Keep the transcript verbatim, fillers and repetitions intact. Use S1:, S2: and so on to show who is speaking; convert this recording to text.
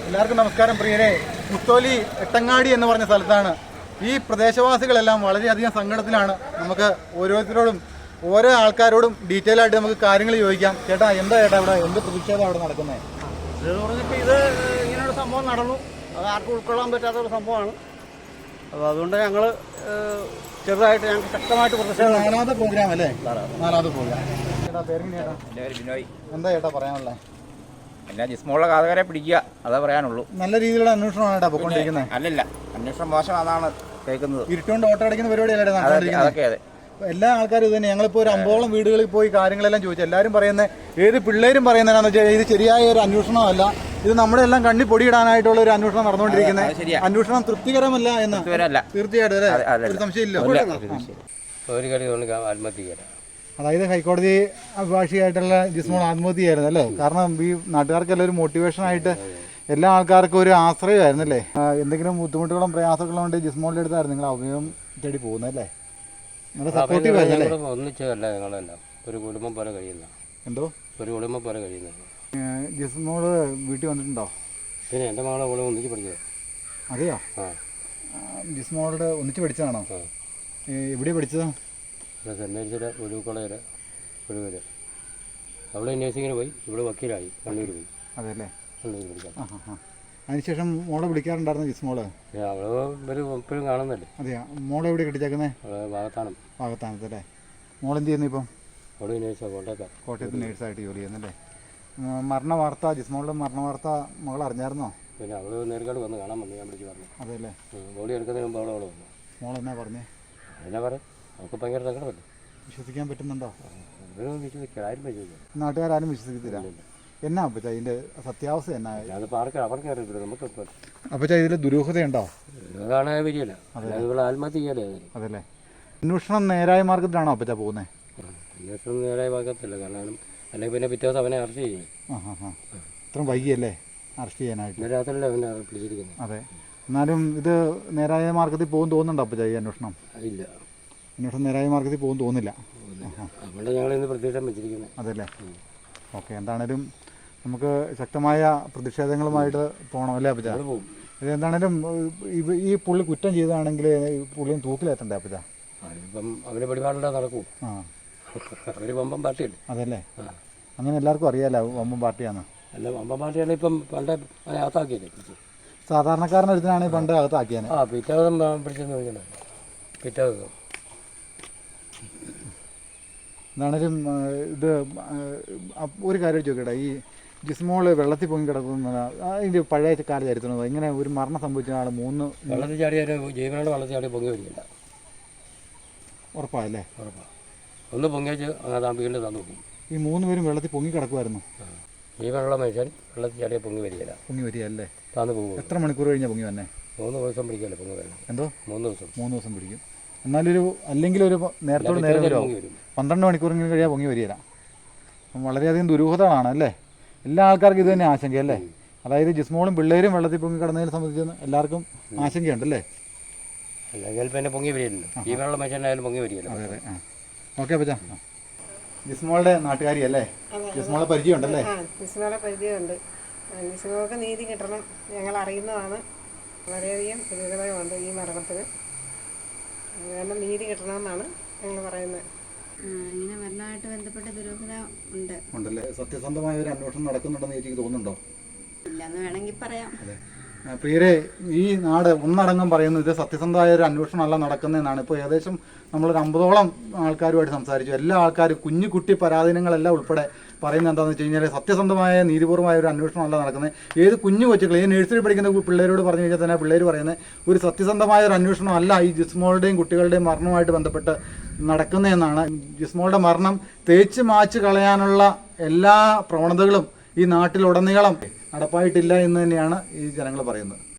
S1: എല്ലാവർക്കും നമസ്കാരം പ്രിയരെ. മുത്തോലി എട്ടങ്ങാടി എന്ന് പറഞ്ഞ സ്ഥലത്താണ്. ഈ പ്രദേശവാസികളെല്ലാം വളരെയധികം സങ്കടത്തിലാണ്. നമുക്ക് ഓരോരുത്തരോടും ഓരോ ആൾക്കാരോടും ഡീറ്റെയിൽ ആയിട്ട് നമുക്ക് കാര്യങ്ങൾ ചോദിക്കാം. ചേട്ടാ, എന്താ ചേട്ടാ ഇവിടെ എന്ത് പ്രതിഷേധം അവിടെ നടക്കുന്നത്?
S2: ഇതെന്ന് പറഞ്ഞപ്പോൾ ഇത് ഇങ്ങനെയൊരു സംഭവം നടന്നു. അത് ആർക്കും ഉൾക്കൊള്ളാൻ പറ്റാത്തൊരു സംഭവമാണ്. അപ്പോൾ അതുകൊണ്ട് ഞങ്ങൾ ചെറുതായിട്ട് ഞങ്ങൾക്ക് ശക്തമായിട്ട് പ്രതിഷേധം.
S1: നാലാമത്തെ പ്രോഗ്രാം അല്ലേ? നാലാമത്തെ പ്രോഗ്രാം. ചേട്ടാ, പേര് ചേട്ടാ?
S3: എൻ്റെ പേര് ബിനോയ്.
S1: എന്താ ചേട്ടാ പറയാനുള്ളത്?
S3: എല്ലാ ജിസ്മോളുടെ കാതകരെ പിടിക്കുക, അതേ പറയാനുള്ളൂ.
S1: നല്ല രീതിയിലുള്ള അന്വേഷണമാണ് ചേട്ടാ പൊയ്ക്കൊണ്ടിരിക്കുന്നത്.
S3: അല്ലല്ല, അന്വേഷണം മോശമാണെന്നാണ് കേൾക്കുന്നത്.
S1: ഇരുട്ടുകൊണ്ട് ഓട്ടോ അടിക്കുന്ന പരിപാടിയല്ലേ
S3: അതൊക്കെ അതെ.
S1: എല്ലാ ആൾക്കാരും ഇത് തന്നെ. ഞങ്ങളിപ്പോൾ ഒരു അമ്പോളം വീടുകളിൽ പോയി കാര്യങ്ങളെല്ലാം ചോദിച്ചു. എല്ലാവരും പറയുന്നത്, ഏത് പിള്ളേരും പറയുന്നതെന്നു വെച്ചാൽ ഇത് ശരിയായ ഒരു അന്വേഷണമല്ല, ഇത് നമ്മുടെ എല്ലാം കണ്ണി പൊടിയിടാനായിട്ടുള്ള ഒരു അന്വേഷണം നടന്നുകൊണ്ടിരിക്കുന്നത്. അന്വേഷണം തൃപ്തികരമല്ല എന്ന് തീർച്ചയായിട്ടും ഒരു സംശയമില്ല. അതായത് ഹൈക്കോടതി അഭിഭാഷികയായിട്ടുള്ള ജിസ്മോൾ ആത്മഹത്യയായിരുന്നു അല്ലേ? കാരണം ഈ നാട്ടുകാർക്കെല്ലാം ഒരു മോട്ടിവേഷനായിട്ട് എല്ലാ ആൾക്കാർക്കും ഒരു ആശ്രയമായിരുന്നു അല്ലേ? എന്തെങ്കിലും ബുദ്ധിമുട്ടുകളും പ്രയാസങ്ങളും കൊണ്ട് ജിസ്മോളിൻ്റെ അടുത്തായിരുന്നു നിങ്ങൾ അഭിമുഖം തേടി പോകുന്നല്ലേ? നിങ്ങളുടെ സപ്പോർട്ടീവ് ആയിരുന്നല്ലേ?
S4: ഒന്നിച്ചല്ല, ഞങ്ങളെല്ലാം ഒരു കുടുംബം പോലെ കഴിയുന്ന.
S1: എന്തോ
S4: ഒരു കുടുംബം പോലെ കഴിയുന്നത്.
S1: ജിസ്മോള് വീട്ടിൽ വന്നിട്ടുണ്ടോ?
S4: പിന്നെ എൻ്റെ മകളെ കൂടെ ഒന്നിച്ച് പഠിച്ചത്.
S1: അതെയോ?
S4: ആ,
S1: ജിസ്മോളോട് ഒന്നിച്ച് പഠിച്ചതാണോ? എവിടെയാണ് പഠിച്ചത്?
S4: സെൻറ്റ് മേരീസിലെ ഒരു കോളേജിൽ ഒഴുകല്. അവിടെ നേഴ്സിങ്ങിന് പോയി, ഇവിടെ വക്കീലായി, കണ്ണൂർ പോയി.
S1: അതെല്ലേ?
S4: കണ്ണൂർ പഠിക്കാം.
S1: ആ ആ അതിനുശേഷം മോളെ വിളിക്കാറുണ്ടായിരുന്നു ജിസ്മോള്?
S4: അവള് ഒരു എപ്പോഴും കാണുന്നല്ലേ.
S1: അതെയോ? മോളെ എവിടെ കെട്ടിച്ചേക്കുന്നത്?
S4: വാഗത്താനം.
S1: വാഗത്താനത്തല്ലേ? മോളെന്ത് ചെയ്യുന്നു ഇപ്പം?
S4: അവിടെ നേഴ്സാണ്, കോട്ടയത്താണ്.
S1: കോട്ടയത്ത് നേഴ്സായിട്ട് ജോലി ചെയ്യുന്നല്ലേ? മരണ വാർത്ത, ജിസ്മോളുടെ മരണ വാർത്ത മകൾ അറിഞ്ഞായിരുന്നോ?
S4: പിന്നെ അവള് നേരിട്ട് വന്ന് കാണാൻ വന്നു, ഞാൻ വിളിച്ച് പറഞ്ഞു.
S1: അതെല്ലേ?
S4: ബോഡി എടുക്കുന്നതിന് മുമ്പ് അവളെ അവളെ വന്നു.
S1: മോളെന്നാ പറഞ്ഞേ?
S4: എന്നാ പറയാം, അവൾക്ക് ഭയങ്കര സങ്കടമല്ലേ.
S1: വിശ്വസിക്കാൻ പറ്റുന്നുണ്ടോ?
S4: വിശ്വസിക്കാം, ആരും വിശ്വസിക്കാം.
S1: നാട്ടുകാരും വിശ്വസിക്കത്തില്ല. എന്നാ അപ്പച്ച ഇതിൻ്റെ സത്യാവസ്ഥ എന്നാ?
S4: അതിപ്പോൾ ആർക്ക് അവർക്ക് അറിയത്തില്ല, നമുക്ക്.
S1: അപ്പച്ച ഇതിൽ ദുരൂഹതയുണ്ടോ?
S4: കാണാൻ വരികയില്ല, ഇവിടെ ആത്മഹത്യ ചെയ്യാലേ.
S1: അതല്ലേ? അന്വേഷണം നേരായ മാർഗത്തിലാണോ അപ്പച്ച പോകുന്നത്?
S4: അന്വേഷണം നേരായ മാർഗത്തില്ല, കാരണം അല്ലെങ്കിൽ പിന്നെ പിറ്റേ ദിവസം അവനെ അറസ്റ്റ് ചെയ്യും.
S1: ആ ഹാ ഹാ ഇത്രയും വൈകിയല്ലേ അറസ്റ്റ് ചെയ്യാനായിട്ട്?
S4: ഇന്നലെ രാത്രിയല്ലേ അവനെ പിടിച്ചിരിക്കുന്നത്.
S1: അതെ. എന്നാലും ഇത് നേരായ മാർഗത്തിൽ പോകും തോന്നുന്നുണ്ടോ അപ്പച്ച ഈ അന്വേഷണം?
S4: ഇല്ല,
S1: അന്വേഷണം നേരായ മാർഗത്തിൽ പോകും തോന്നുന്നില്ല.
S4: അതുകൊണ്ട് ഞങ്ങൾ ഇന്ന് പ്രതിഷേധം വെച്ചിരിക്കുന്നത്.
S1: അതല്ലേ? ഓക്കെ. എന്താണേലും നമുക്ക് ശക്തമായ പ്രതിഷേധങ്ങളുമായിട്ട് പോകണം അല്ലേ അപ്പച്ച? ഇത് എന്താണേലും ഈ പുള്ളി കുറ്റം ചെയ്തതാണെങ്കിൽ പുള്ളിയും തൂക്കിലെത്തണ്ടേ അപ്പച്ച?
S4: ഇപ്പം അവര് പരിപാടിയുടെ നടക്കും.
S1: ആ,
S4: അവര് വമ്പം പാർട്ടിയല്ലേ.
S1: അതല്ലേ? അങ്ങനെ എല്ലാവർക്കും അറിയാലോ വമ്പം പാർട്ടിയാന്ന്.
S4: അല്ല, വമ്പം പാർട്ടിയാണ് ഇപ്പം പണ്ട് അകത്താക്കിയല്ലേ.
S1: സാധാരണക്കാരനൊരുത്തനാണ് പണ്ട് അകത്താക്കിയാൽ.
S4: ആ, പിറ്റേ ദിവസം പിടിച്ചെന്ന് ചോദിക്കണ്ടേ, പിറ്റേ ദിവസം.
S1: എന്താണേലും ഇത് ഒരു കാര്യം ചോദിക്കട്ടെ, ഈ ജിസ്മോള് വെള്ളത്തിൽ പൊങ്ങി കിടക്കുന്ന അതിൻ്റെ പഴയ കാല ചരിത്രം ഇങ്ങനെ ഒരു മരണം സംഭവിച്ച ആൾ മൂന്ന്
S4: വെള്ളത്തിൽ ചാടിയാൽ ജീവനോട് വെള്ളത്തിൽ ചാടി പൊങ്ങി വരില്ല.
S1: ഉറപ്പായല്ലേ?
S4: ഉറപ്പാണ്. ഒന്ന് പൊങ്ങിച്ച് അങ്ങനെ താമ്പിക്കേണ്ടി തന്നു പോകും.
S1: ഈ മൂന്ന് പേരും വെള്ളത്തിൽ പൊങ്ങി കിടക്കുമായിരുന്നു.
S4: ജീവനുള്ള മനുഷ്യൻ വെള്ളത്തിൽ ചാടിയാൽ പൊങ്ങി വരികയില്ല.
S1: പൊങ്ങി വരികയല്ലേ?
S4: താന്ന് പോകും.
S1: എത്ര മണിക്കൂർ കഴിഞ്ഞാൽ പൊങ്ങി വന്നെ?
S4: മൂന്ന് ദിവസം പിടിക്കല്ലേ പൊങ്ങി വരണം.
S1: എന്തോ?
S4: മൂന്ന് ദിവസം
S1: മൂന്ന് ദിവസം പിടിക്കും. എന്നാലൊരു അല്ലെങ്കിൽ ഒരു നേരത്തോട് നേരം വരുമോ? പന്ത്രണ്ട് മണിക്കൂറെങ്കിലും കഴിയാൻ പൊങ്ങി വരികയില്ല. വളരെയധികം ദുരൂഹതകളാണ് അല്ലേ? എല്ലാ ആൾക്കാർക്കും ഇത് തന്നെ ആശങ്കയല്ലേ? അതായത് ജിസ്മോളും പിള്ളേരും വെള്ളത്തിൽ പൊങ്ങി കിടന്നതിനെ സംബന്ധിച്ച് എല്ലാവർക്കും ആശങ്കയുണ്ടല്ലേ?
S4: അല്ലെങ്കിൽ പിന്നെ പൊങ്ങി വരികയില്ലല്ലോ, ജീവനുള്ള മനുഷ്യനായാലും പൊങ്ങി വരികയില്ല.
S1: അതെ അതെ. ആ ഓക്കെ അപ്പച്ചാ. ജിസ്മോളുടെ നാട്ടുകാരി അല്ലേ? ജിസ്മോളെ പരിചയം ഉണ്ടല്ലേ?
S5: ജിസ്മോളെ പരിചയമുണ്ട്. ജിസ്മോൾക്ക് നീതി കിട്ടണം, ഞങ്ങൾ അറിയുന്നതാണ്. വളരെയധികം ദുരിതമുണ്ട് ഈ മരണത്തിന്. കാരണം നീതി കിട്ടണമെന്നാണ് ഞങ്ങൾ പറയുന്നത്.
S6: ഇങ്ങനെ മരണമായിട്ട് ബന്ധപ്പെട്ട ദുരൂഹത ഉണ്ട്
S1: ഉണ്ടല്ലേ? സത്യസന്ധമായ ഒരു അന്വേഷണം നടക്കുന്നുണ്ടെന്ന് എനിക്ക് തോന്നുന്നുണ്ടോ?
S6: ഇല്ലെന്ന് വേണമെങ്കിൽ പറയാം.
S1: അതെ. പ്രിയരെ, ഈ നാട് ഒന്നടങ്കം പറയുന്നു ഇത് സത്യസന്ധമായ ഒരു അന്വേഷണമല്ല നടക്കുന്നതെന്നാണ്. ഇപ്പോൾ ഏകദേശം നമ്മളൊരു അമ്പതോളം ആൾക്കാരുമായിട്ട് സംസാരിച്ചു. എല്ലാ ആൾക്കാരും കുഞ്ഞു കുട്ടി പരാധീനങ്ങളെല്ലാം ഉൾപ്പെടെ പറയുന്നത് എന്താണെന്ന് വെച്ച് കഴിഞ്ഞാൽ സത്യസന്ധമായ നീതിപൂർവമായ ഒരു അന്വേഷണമല്ല നടക്കുന്നത്. ഏത് കുഞ്ഞു കൊച്ചുകൾ ഈ നഴ്സറി പഠിക്കുന്ന പിള്ളേരോട് പറഞ്ഞു കഴിഞ്ഞാൽ തന്നെ പിള്ളേർ പറയുന്നത് ഒരു സത്യസന്ധമായ ഒരു അന്വേഷണമല്ല ഈ ജിസ്മോളുടെയും കുട്ടികളുടെയും മരണവുമായിട്ട് ബന്ധപ്പെട്ട് നടക്കുന്നതെന്നാണ്. ജിസ്മോളുടെ മരണം തേച്ച് മാച്ച് കളയാനുള്ള എല്ലാ പ്രവണതകളും ഈ നാട്ടിലുടനീളം നടപ്പായിട്ടില്ല എന്ന് തന്നെയാണ് ഈ ജനങ്ങൾ പറയുന്നത്.